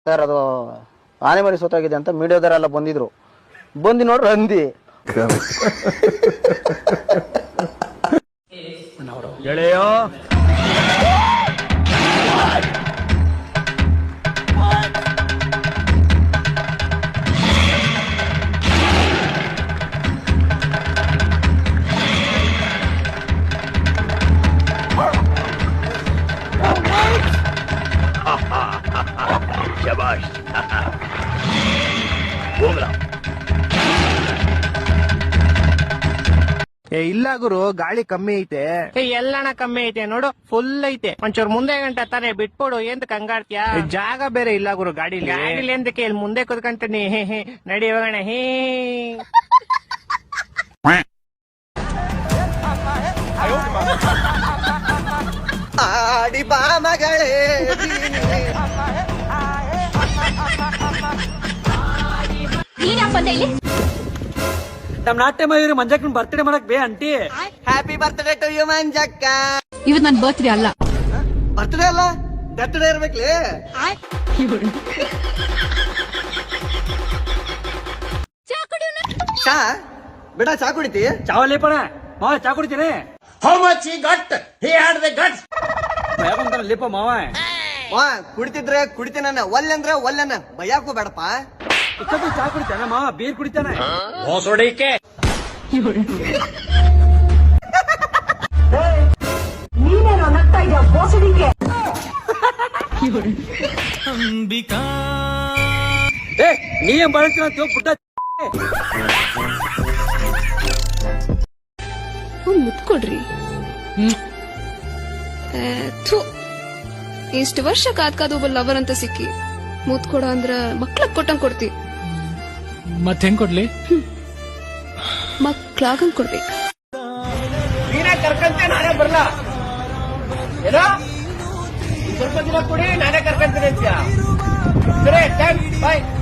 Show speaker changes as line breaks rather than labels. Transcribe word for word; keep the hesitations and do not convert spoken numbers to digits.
Sir ಅದು ಆನೆ ಮರಿ ಸೋತಾಗಿದೆ ಅಂತ ಮೀಡಿಯಾದವರೆಲ್ಲ ಬಂದಿದ್ರು. ಬಂದು ನೋಡ್ರಿ ಹಂದಿ.
ಗೆಳೆಯೋ ಶಬಾಷ್. ಹೋಗ್ಲಾ
ಏ ಇಲ್ಲ ಗುರು, ಗಾಳಿ ಕಮ್ಮಿ ಐತೆ.
ಎಲ್ಲಣ ಕಮ್ಮಿ ಐತೆ ನೋಡು, ಫುಲ್ ಐತೆ. ಒಂಚೂರು ಮುಂದೆ ಗಂಟ ತಾನೆ ಬಿಟ್ಕೊಡು, ಎಂತ ಕಂಗಾಡ್ತೀಯಾ?
ಜಾಗ ಬೇರೆ ಇಲ್ಲ ಗುರು ಗಾಡಿಲಿ.
ಗಾಡಿಲಿ ಎಂತಕ್ಕೆ, ಇಲ್ಲಿ ಮುಂದೆ ಕುತ್ಕೊಂತೀನಿ. ಹೇ ಹೇ ನಡಿ ಹೋಗೋಣ. ಹೇ
ಆಡಿ ಬಾ ಮಗಳೇ. ನಮ್ ನಾಟ್ಯ ಮಯೂರಿ ಮಂಜಕ್ಕನ್ ಬರ್ತ್ಡೇ ಮಾಡಕ್ ಬೇ aunty. Happy birthday to you Manjakka.
ಇವತ್ ನನ್ ಬರ್ತ್ಡೇ ಅಲ್ಲ.
ಬರ್ತ್ಡೇ ಅಲ್ಲ, ಬರ್ತ್ಡೇ ಇರ್ಬೇಕ್ಲಿ. ಚಾ ಬಿಡ, ಚಾ ಕುಡಿತಿ? ಚಾವಲ್ಲಿ ಪಣ ಮಾವ, ಚಾ ಕುಡಿತೀನಿ.
How much he got? He had the guts.
ಭಯಕೊಂತಾನ ಲಿಪ ಮಾವ. ಮಾವ ಕುಡಿತಿದ್ರೆ ಕುಡಿತೀನ, ಒಲ್ಲೆಂದ್ರೆ ಒಲ್ಲೆನ, ಭಯಾಕು ಬೇಡಪ್ಪ. ಇಷ್ಟೊತ್ತು ಚಾ ಕುಡಿತಾನ ಮಾವ, ಬೀರ್ ಕುಡಿತಾನೆ.
ಹೊಸಡಿಕೆ
ನೀನೇನೋ ನಗ್ತಾ ಇದೆಯಾ ಬೋಸಡಿಕೆ?
ಅಂಬಿಕಾ ಏ ನೀ ಬಳಸ್ತೀರ ಪುಟ್ಟ.
ಮುತ್ಕೊಡ್ರಿ. ಇಷ್ಟು ವರ್ಷ ಕಾದ್ ಕಾದ್ ಒಬ್ಬ ಲವರ್ ಅಂತ ಸಿಕ್ಕಿ ಮುತ್ಕೊಡ ಅಂದ್ರ ಮಕ್ಳಗ್ ಕೊಟ್ಟಂಗ್ ಕೊಡ್ತಿ.
ಮತ್ ಹೆಂಗ್ ಕೊಡ್ಲಿ?
ಮಕ್ಳಾಗಂಗ್ ಕೊಡ್ಬೇಕು.
ನೀನೇ ಕರ್ಕಂತೆ, ನಾನೇ ಬರ್ಲಾ? ಏನೋ ಸ್ವಲ್ಪ ದಿನ ಕೊಡಿ, ನಾನೇ ಕರ್ಕಂತೀನಿ ಅಂತೀಯ. ಸರಿ, ಬಾಯ್.